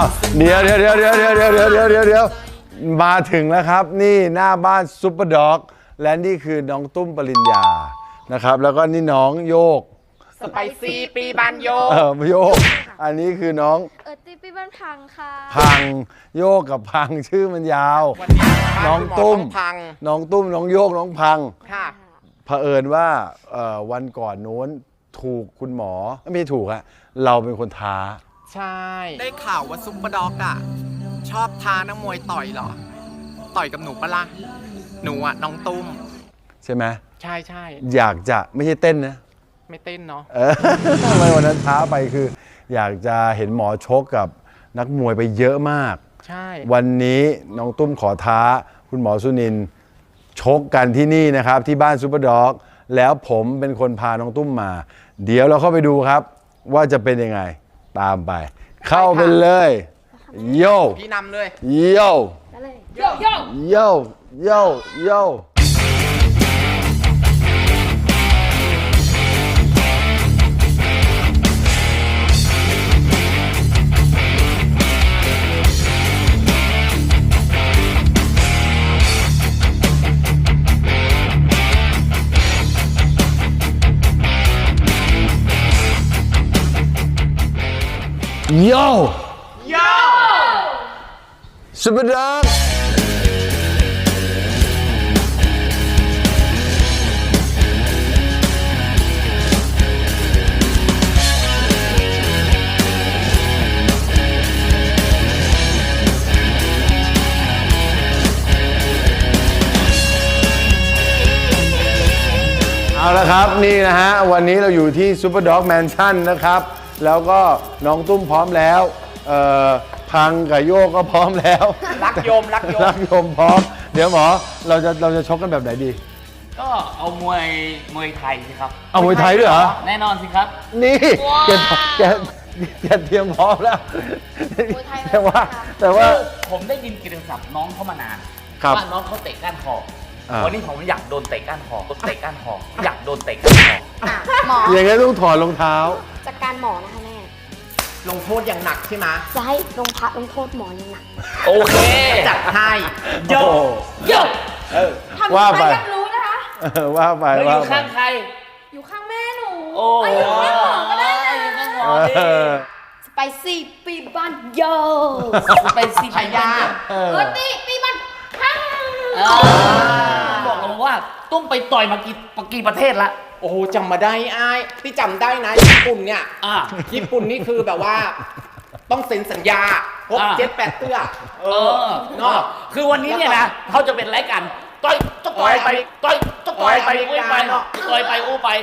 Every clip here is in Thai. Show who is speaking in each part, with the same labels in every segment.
Speaker 1: าวเดี๋ยวมาถึงแล้วครับนี่หน้าบ้านซุปเปอร์ด็อกและนี่คือน้องตุ้มปริญญานะครับแล้วก็นี่น้องโยก
Speaker 2: สไปซี่ปีบานโยก
Speaker 1: โยกอันนี้คือน้อง
Speaker 3: ตีปีบ้านพังค่ะ
Speaker 1: พังโยกกับพังชื่อมันยาวน้องตุ้มน้องโยกน้องพัง
Speaker 2: ค่ะ
Speaker 1: เผอิญว่าวันก่อนโน้นถูกคุณหมอไม่ถูกอะเราเป็นคนท้า
Speaker 2: ใช่ได้ข่าวว่าซุปเปอร์ด็อกอะชอบท้านักมวยต่อยเหรอต่อยกับหนูปะล่ะหนูอะน้องตุ้ม
Speaker 1: ใช่ไหม
Speaker 2: ใช่
Speaker 1: อยากจะไม่ใช่เต้นนะ
Speaker 2: ไม่เต้นเนาะ
Speaker 1: ทำไมวันนั้นท้าไปคืออยากจะเห็นหมอชกกับนักมวยไปเยอะมาก
Speaker 2: ใช่
Speaker 1: วันนี้น้องตุ้มขอท้าคุณหมอสุนินท์ชกกันที่นี่นะครับที่บ้านซุปเปอร์ด็อกแล้วผมเป็นคนพาน้องตุ้มมาเดี๋ยวเราเข้าไปดูครับว่าจะเป็นยังไงตามไปเข้าไปเลยโย่
Speaker 2: พี่นำเลย
Speaker 1: โย่โย่ซุปเปอร์ด็อกเอาละครับนี่นะฮะวันนี้เราอยู่ที่ซุปเปอร์ด็อกแมนชั่นนะครับแล้วก็น้องตุ้มพร้อมแล้วพังกับโยกก็พร้อมแล้ว
Speaker 2: รักโยม
Speaker 1: พร้อมเดี๋ยวหมอเราจะชกกันแบบไหนดี
Speaker 4: ก็เอามวยไทยสิครับ
Speaker 1: เอามวยไทยด้วยเหรอ
Speaker 4: แน่นอนสิครับ
Speaker 1: นี่แกเตรียมพร้อมแล้วแต่ว่า
Speaker 4: ผมได้ยินกิตติศัพท์น้องเขามานานว่าน้องเขาเตะก้านคอวันนี้ผมอยากโดนเตะก้านคออยากโดนเตะก้านคอ
Speaker 3: หมอ
Speaker 1: อย่างงี้ต้องถอดรองเท้า
Speaker 3: จัดการหมอนะคะแม่
Speaker 2: ลงโทษอย่างหนักใช่ไหม
Speaker 3: จะให้ลงโทษหมออย่างหนัก
Speaker 4: โอเค
Speaker 2: จัดให้
Speaker 4: โย
Speaker 1: ว่าไป
Speaker 3: รู้นะคะ
Speaker 1: ว่าไป
Speaker 4: อยู่ข้างใคร
Speaker 3: อยู่ข้างแม่หนู
Speaker 4: โอ้
Speaker 3: อยู่ข้างหมอก็ได้
Speaker 4: อยู่ข้างหมอดิ
Speaker 3: สไปซี่ปีบ้านโย
Speaker 4: สไปซี่พยา
Speaker 3: ตีปีบ้านพัง
Speaker 4: บอกเราว่าต้องไปต่อยมากี่ประเทศละ
Speaker 2: โอ้โหจำมาได้ไอ้ที่จำได้นะญี่ปุ่นเนี่ยญี่ปุ่นนี่คือแบบว่าต้องเซ็นสัญญา6-7-8เตื้อ
Speaker 4: เนาะคือวันนี้เนี่ยนะเขาจะเป็นรายการต่อยไปอู้ไปต่อยไปอู้ไป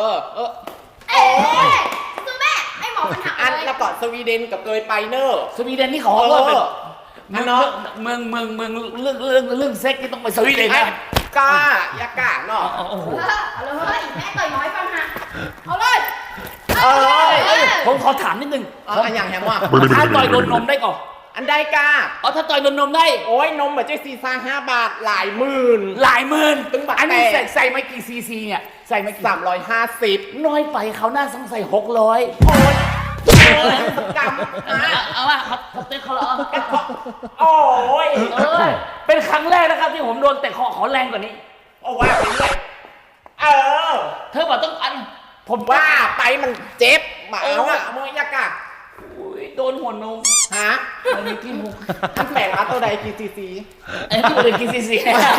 Speaker 3: คือแม่ไอ้หมอมันหัก
Speaker 2: อันแล้วก็สวีเดนกับเกยไปเนอร์
Speaker 4: สวีเดนนี่เขาว่าเป็นเรื่องเซ็กนี่ต้องไปสวีเดนนะ
Speaker 2: กล้ายากาเนาะ
Speaker 3: เอาเลยแม่ต่อยน้อยฟังฮะเอาเลย
Speaker 4: ผมขอถามนิดนึง
Speaker 2: อันอย่างแฮมว่า
Speaker 4: ถ้าต่อยโดนนมได้ก่อน
Speaker 2: อันได้กา
Speaker 4: ถ้าต่อยโดนนมได้
Speaker 2: โอ้ยนมแบบเจ๊ซีซ่า5 บาทหลายหมื่นตึงบาท
Speaker 4: อันนี้ใส่ไม่กี่ซีซีเนี่ยใส่ไม่
Speaker 2: 350
Speaker 4: น้อยไปเขาหน้าต้องใส่600
Speaker 2: โอ้ยกำ
Speaker 4: เอาล่ะเขาเตะเขาแล้ว
Speaker 2: โอ้ย
Speaker 4: เป็นครั้งแรกนะครับที่ผมโดนเตะขอแรงกว่านี้
Speaker 2: โอ้ว่าไปเรื่อย
Speaker 4: เธอบอกต้อง
Speaker 2: ผมว่าไปมันเจ็บมาเอาอะมวยยากา
Speaker 4: โดนหัวนมมันมีกี่มุก
Speaker 2: ท่านแปลงมาตัวใดกี่ซีซี
Speaker 4: ตัวใดกี่ซีซี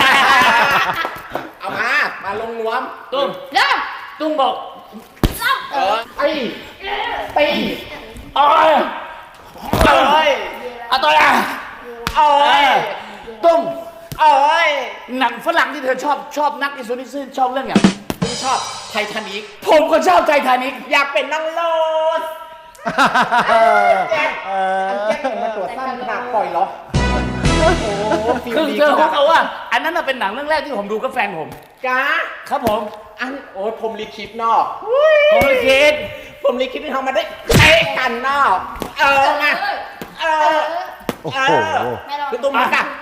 Speaker 2: เอามาลงนวม
Speaker 4: ตุ้มบอก
Speaker 2: ตี
Speaker 4: ต่อยตุ้มหนังฝรั่งที่เธอชอบนักที่สุดที่ชอบเรื่องอย่าง
Speaker 2: ชอบไททานิก
Speaker 4: ผมก็ชอบไททานิก
Speaker 2: อยากเป็นนางโรสแจ็คมาตรวจสั้นขนาดปล่อยเหรอ
Speaker 4: คือเจอเขาว่าอันนั้นเป็นหนังเรื่องแรกที่ผมดูกับแฟนผมครับผม
Speaker 2: โอ้ยผมลิขิตนอก
Speaker 4: ผมลิขิต
Speaker 2: ที่ทำมาได้เตะกันนอกมาคือตุ้มมาค่ะ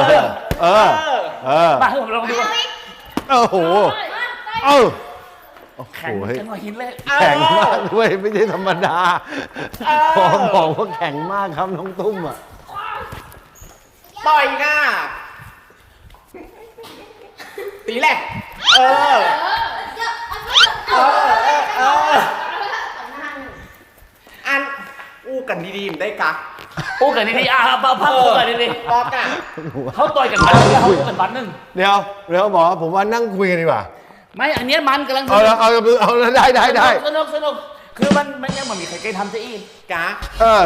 Speaker 4: มาให้ผมลองดู
Speaker 1: โอ้โห
Speaker 4: แข็ง
Speaker 1: โอ้โห
Speaker 4: แข็งกว่าหินเลย
Speaker 1: แข็งมากด้วยไม่ใช่ธรรมดาขอบอกว่าแข็งมากครับน้องตุ้มอ่ะ
Speaker 2: ต่อยหน้าตีแหละเออ เออ อันอู้กันดีๆมันได้กะ
Speaker 4: โอ้กันดีๆพักโอ้กันดี
Speaker 2: บอกอ่ะ
Speaker 4: ๆเขาต่อยกันวันนึงเขาต่อยกันวันนึง
Speaker 1: เดี๋ยวหมอผมว่านั่งคุยกันดีกว่า
Speaker 4: ไม่อันเนี้ยมันกำลัง
Speaker 1: เอาแล้วได้
Speaker 4: สนุกคือมันยังไม่มีใครเคยทำซะอีก
Speaker 2: กะ
Speaker 1: เออ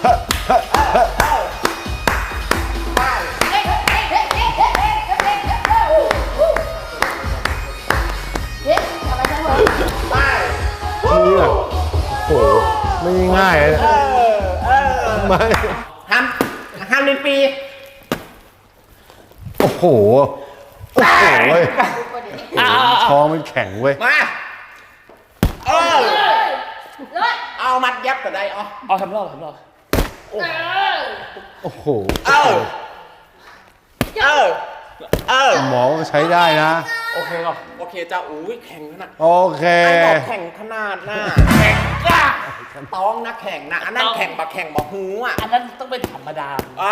Speaker 2: ไป
Speaker 1: เนี่ยโอ้โหไม่ง่ายเลยนะไม่
Speaker 2: ห้ามเล่นปี
Speaker 1: โอ้โหเว้ยท้องมันแข็งเว้ย
Speaker 2: มาเออเอามัดยับก็ได้อ๋อ
Speaker 4: เอาทำรอบ
Speaker 1: โอ้โห
Speaker 2: เออ
Speaker 1: หมอใช้ได้นะ
Speaker 4: โอเคก่อน
Speaker 2: โอเคจ้าอุ้ยแข็งขนาด
Speaker 1: โอเค
Speaker 2: อันบอกแข่งขนาดน่ะแข่งกล้าต้องนะแข่งนะอันนั้นแข่งบะแข่งบะหูอ่ะ
Speaker 4: อันนั้นต้องเป็นธรรมดา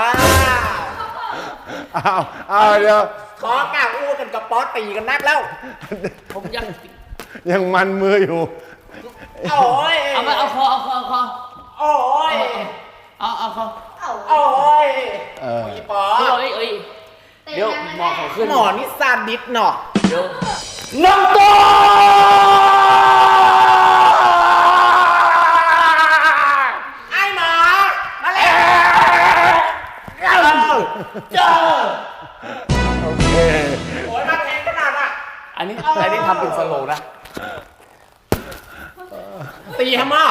Speaker 1: อ้าวเดี๋ยว
Speaker 2: ขอกล้าอู้กันกับป๊อตตีกันนักแล้ว
Speaker 4: ผมยัง
Speaker 1: ยังมันมืออยู่
Speaker 2: โอ้ย
Speaker 4: เอาคอ
Speaker 2: โอ้ย
Speaker 4: เอาคอ
Speaker 2: โอ้ย
Speaker 1: เออ
Speaker 2: อีป๊อ
Speaker 4: เอ้ยเดี๋ยวหมอเขาขึ้น
Speaker 2: หมอนี่ซาดิสเนาะ
Speaker 4: เดี๋ยวน้องโต
Speaker 2: ไอ้หมอมาแล้ว
Speaker 4: เจอ
Speaker 1: โอเค
Speaker 2: โอ้ยมาแข่งขนาดอ่ะ
Speaker 4: อันนี้ทำเป็นสโลว์นะ
Speaker 2: ตีฮะมอ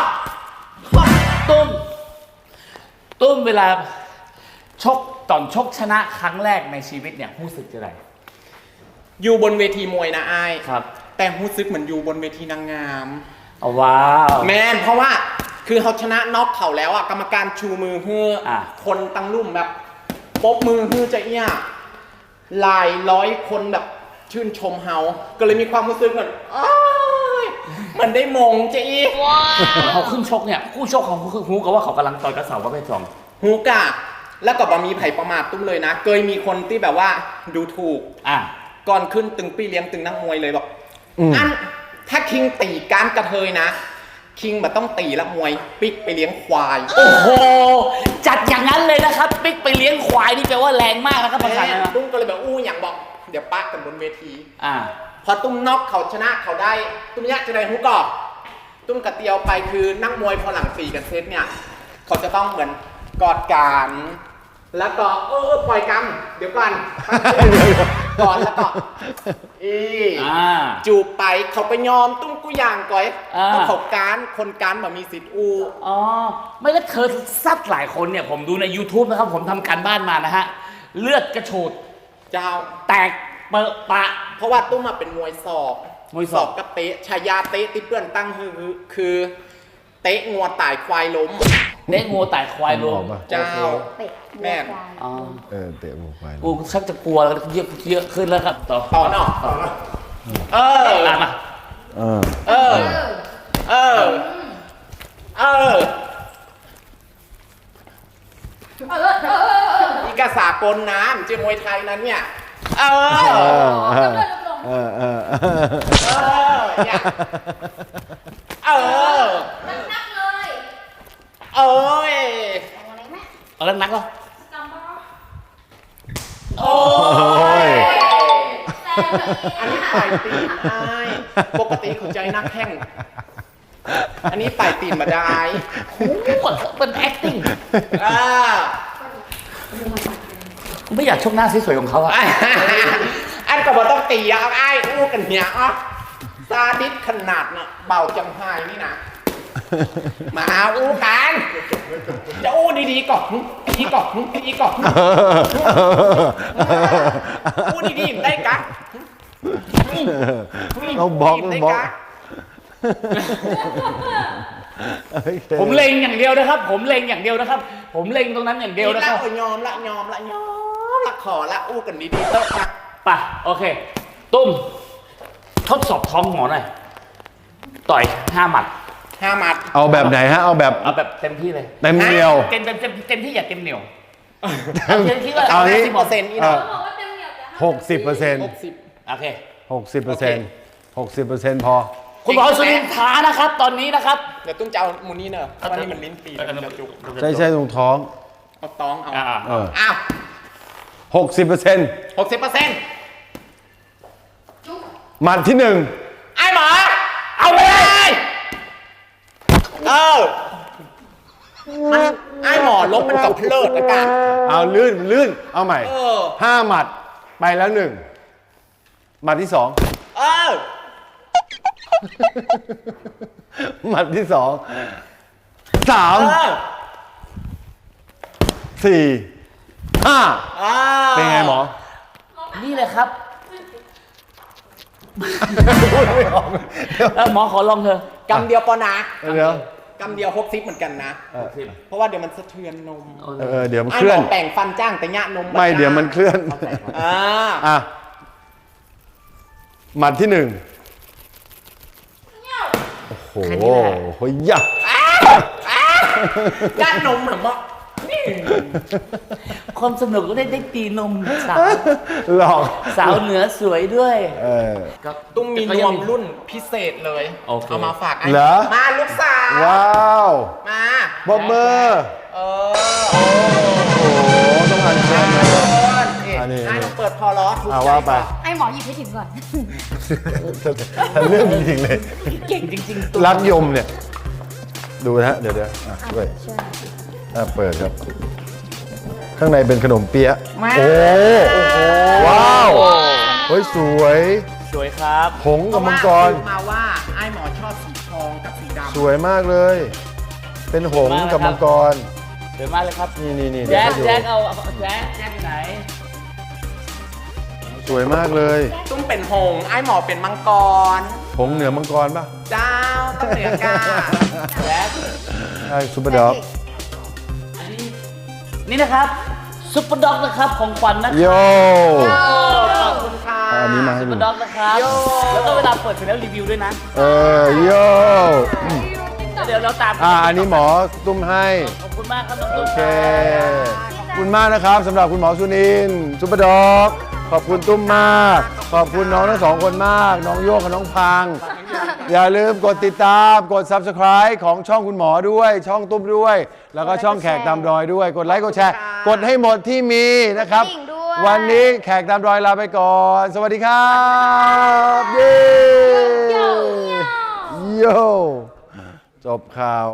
Speaker 4: ตุ้มเวลาชกตอนชกชนะครั้งแรกในชีวิตเนี่ยรู้สึกจะไร
Speaker 2: อยู่บนเวทีมวยนะไอ้
Speaker 4: ครับ
Speaker 2: แต่รู้สึกเหมือนอยู่บนเวทีนางงาม
Speaker 4: เอาว้าว
Speaker 2: แมนเพราะว่าคือเขาชนะน็อกเขาแล้วอ่ะกรรมการชูมือเฮือ
Speaker 4: อ่ะ
Speaker 2: คนตั้งรุ่มแบบปบมือฮือจะเอี้ยหลายร้อยคนแบบชื่นชมเฮาก็เลยมีความรู้สึกเหมือนอ้ายเหมือนได้มงจะอี
Speaker 4: เขาขึ้นชกเนี่ยคู่ชกเขาคือฮู้กับว่าเขากำลังต่อยกระเสาประเภทสอง
Speaker 2: ฮูกะแล้วก็บะมีไผ่ประมาทตุ้มเลยนะเคยมีคนที่แบบว่าดูถูก
Speaker 4: อ่ะ
Speaker 2: ก่อนขึ้นตึงปี้เลี้ยงตึงนักมวยเลยบอกอันถ้าคิงตีการกระเทยนะ คิงแบบต้องตีละมวยปิกไปเลี้ยงควาย
Speaker 4: โอ้โหจัดอย่างนั้นเลยนะครับปิ๊กไปเลี้ยงควายนี่แปลว่าแรงมากนะครับภาษา
Speaker 2: แม่
Speaker 4: เนี่ย
Speaker 2: ตุ้มก็เลยแบบอู้อย่างบอกเดี๋ยวปะกันบนเวที
Speaker 4: อ่ะ
Speaker 2: พอตุ้มน็อกเขาชนะเขาได้ตุ้มยะจะได้ฮูกอกตุ้มกระเตียวไปคือนักมวยพอหลัง4กันเซตเนี่ยเขาจะต้องเหมือนกอดกันแล้วก็ปล่อยกันเดี๋ยวก่อนก่อนแล้วก็จูบไปเขาไปยอมตุ้มกูอย่างก่อยเพราะเขาการคนการแบบมีสิทธิ์อู
Speaker 4: อ๋อไม่แล้วเธอซัดหลายคนเนี่ยผมดูใน YouTube นะครับผมทำการบ้านมานะฮะเลือดกระโชด
Speaker 2: เจ้า
Speaker 4: แตกเปอะปะ
Speaker 2: เพราะว่าตุ้มมาเป็นมวยศอก
Speaker 4: มวยศอก
Speaker 2: กับเตะชายาเตะที่เพื่อนตั้งคือ เตะงัวตายควายล้ม
Speaker 4: เละงูไต่ควายรวม
Speaker 2: เจ้า แม่
Speaker 4: อ๋อ
Speaker 1: เตะหมูควาย
Speaker 4: กูชักจะกลัวแล้วเยอะขึ้นแล้วครับต่อ
Speaker 2: ต่อเนาะ
Speaker 4: ตามมา
Speaker 2: อีกาสากลน้ำจะมวยไทยนั้นเนี่ยเนี่ย
Speaker 3: นักเลย
Speaker 4: เอาแล้วนักเหรอ
Speaker 2: โอ้ย อันนี้ปล่อยตีนได้ปกติเขาใจนักแข่ง อันนี้ปล่อยตีนมาได้
Speaker 4: โอ้โหเป็น acting ไม่อยากชกหน้าสวยๆของเขาอะ
Speaker 2: อันก็บอกต้องตีอ่ะไอ้อู้กันเนี่ยอ่ะซาดิสขนาดน่ะเบาจังไห้นี่นะมาอู้กันจะอู้ดีๆก่อนดีก่อนดีก่อนอู้ดีๆได้กัน
Speaker 1: เราบอก
Speaker 4: ผมเล็งอย่างเดียวนะครับ ผมเล็งอย่างเดียวนะครับ ผมเล็งตรงนั้นอย่างเดียวนะครับ
Speaker 2: ยอมละขอละอู้กันดีๆเถอะนะ
Speaker 4: ไปโอเค ตุ้มทดสอบท้องหมอหน่อยต่อย5 หมัด
Speaker 2: 5 หมัด
Speaker 1: เอาแบบไหนฮะ เอาแบบ
Speaker 4: เอาแบบเต็มที่เลย
Speaker 1: เต็มเหนียว
Speaker 4: เต็มที่อย่าเต็มเหนียวเอาเต็มที่ว่า
Speaker 1: เอานี้
Speaker 2: 50%อีกนะ
Speaker 3: เขาบอกว่าเต็มเหนียวแต่
Speaker 1: 60%
Speaker 2: 60
Speaker 4: โอเค
Speaker 1: 60% พอ
Speaker 4: คุณหมอสุนินทร์ท้านะครับ ตอนนี้นะครับ
Speaker 2: เดี๋ยวตุ้มจะเอามูนี่เนอะเพราะว่านี่มันลิ้นปีแล้วมันจะจุก
Speaker 1: ใช่ตรงท้อง
Speaker 2: เอาตองเอา
Speaker 1: เออ
Speaker 2: อ้าว
Speaker 1: 60%
Speaker 2: 60%
Speaker 1: หมัดที่
Speaker 2: ไอ้หมอ เอาไปเลยมันไอ้หมอลบมันกับเพลิดละกัน
Speaker 1: 1 เอาลื่น เอาใหม่ 5 หมัดไปแล้ว 1 หมัดที่ 2 หมัดที่ 2 3 4 5 เป็นไงหมอ
Speaker 4: นี่เลยครับแล้วหมอขอลองเถอะ
Speaker 2: กำเดียวปอนะ
Speaker 1: เดี๋ยว
Speaker 2: กำเดียว60เหมือนกันนะ เพราะว่าเดี๋ยวมันสะเทือนนม
Speaker 1: เดี๋ยวมัน
Speaker 2: ไอ้
Speaker 1: เคลื่
Speaker 2: ห
Speaker 1: อ
Speaker 2: ม
Speaker 1: น
Speaker 2: อแป่งฟันจ้างแต่ยะนม
Speaker 1: ไม่เดี๋ยวมันเคลื่อน อ่ะ หมัดที่ 1 โอ้โหยัก
Speaker 2: ยะนมเหมือนว่า
Speaker 4: ความสนุกก็ได้ตีนมสาว
Speaker 1: หลอก
Speaker 4: สาวเหนือสวยด้วย
Speaker 2: ตุ้มมีนวมรุ่นพิเศษเลย
Speaker 4: โอเค
Speaker 2: เอามาฝากไอ้
Speaker 1: เหรอ
Speaker 2: มาลูกสาว
Speaker 1: ว้าว
Speaker 2: มา
Speaker 1: บอบเบอร์
Speaker 2: เออ
Speaker 1: โอ้โห ต้องอันเชิญมา อันนี้
Speaker 2: ไอ้ต้องเปิดพอล้อถูกใจ
Speaker 1: ว่าไป
Speaker 3: ไอ้หมอหยิบให้ถึงก่อน
Speaker 1: เรื่องจริงๆเลย
Speaker 4: เก่งจริงๆตัว
Speaker 1: รักยมเนี่ย ดูนะฮะ เดี๋ยวด้วยเปิดครับ ข้างในเป็นขนมเปี๊ยะโอ้ว้าว เฮ้ย สวย
Speaker 4: สวยครับ
Speaker 1: ผงกับมังกร
Speaker 2: เพาะว่ามาว่าไอ้หมอชอบสีทองกับสีดำ
Speaker 1: สวยมากเลย เป็นหงส์กับมังกร
Speaker 4: สวยมากเลยครับ
Speaker 1: นี่
Speaker 4: แจ๊ค
Speaker 1: เดี๋ยวให้ดู
Speaker 4: แจ๊คอยู่ไหน
Speaker 1: สวยมากเลย
Speaker 2: ตุ้มเป็นหงส์ไอ้หมอเป็นมังกร
Speaker 1: หงส์เหนือมังกรป่ะ
Speaker 2: เจ้าต้องเหนือกา
Speaker 4: แจ๊ค
Speaker 1: ใช่ซุปเปอร์ด็อก
Speaker 4: อันนี้นี่นะครับซุปเปอร์ด็อกนะครับของขวัญนะครับ
Speaker 1: โย
Speaker 2: ขอบคุณค่ะ
Speaker 1: อันนี้มาให้
Speaker 4: ซุป
Speaker 1: ดู
Speaker 4: เปอร์ด็อกนะครับ
Speaker 2: โย่
Speaker 4: แล้วก็เวลาเปิดเสร็จแล้วรีวิวด้วยนะ
Speaker 1: โย
Speaker 4: เดี๋ยวเราตาม
Speaker 1: อันนี้หมอตุ้มให้
Speaker 4: ขอบคุณมากครับน้อง
Speaker 1: โอ
Speaker 4: ตุ้ม
Speaker 1: เค ขอบคุณมากนะครับสำหรับคุณหมอสุนินทร์ซุปเปอร์ด็อกขอบคุณตุ้มมาก ขอบคุณน้องทั้งสองคนมาก น้องโยกกับน้องพัง อย่าลืมกดติดตามกด Subscribe ของช่องคุณหมอด้วย ช่องตุ้มด้วย แล้วก็ช่องแขกตามรอยด้วย กดไลค์กดแชร์ กดให้หมดที่มีนะครับ
Speaker 3: กดกระดิ่งด้วย
Speaker 1: วันนี้แขกตามรอยลาไปก่อน สวัสดีครับ เย้ โย จบข่าว